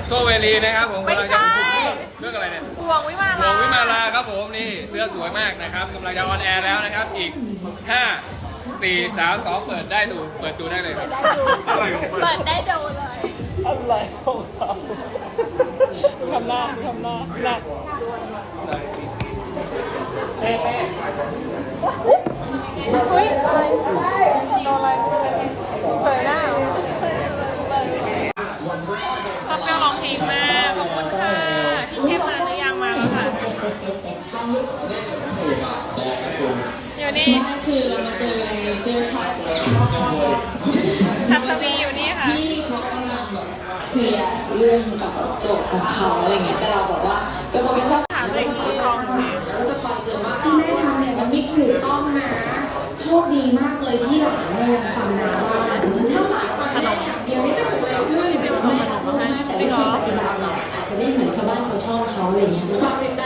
โซเวลีนะครับผมไม่ใช่เรื่องอะไรเนี่ยห่วงวิมาหลลาวงวิมาลาครับผมนี่เสื้อสวยมากนะครับกำลังจะออนแอร์แล้วนะครับอีก 5 4 3 2 เปิดดูได้เลยครับอะไรของมันเปิดได้ดูเลยอะไรของเขาทำหน้าหน้าเฮ้ยโดนอะไรเปิดหน้าชอบแมวร้องเพลงมากขอบคุณค่ะพี่เข้มมาหรือยังมาแล้วค่ะอยู่นี่คือเรามาเจอฉากทัศนีอยู่นี่ค่ะที่เขากำลังแบบเคลียร์เรื่องกับโจทย์ของเขาอะไรเงี้ยแต่เราแบบว่าเป็นคนไม่ชอบถามเลยคือร้องเพลงแล้วจะคอยเตือนว่าที่แม่ทำเนี่ยมันไม่ถูกต้องนะโชคดีมากเลยที่หลานแม่ฟังนะว่าถ้าหลานฟังแม่อย่างเดียวนี่จะเกิดอะไรขึ้นแม่ชอบมากแต่วิธีปฏิบัติเนี่ยอาจจะไม่เหมือนชาวบ้านชาวช่องเขาอะไรเงี้ยฝากติดต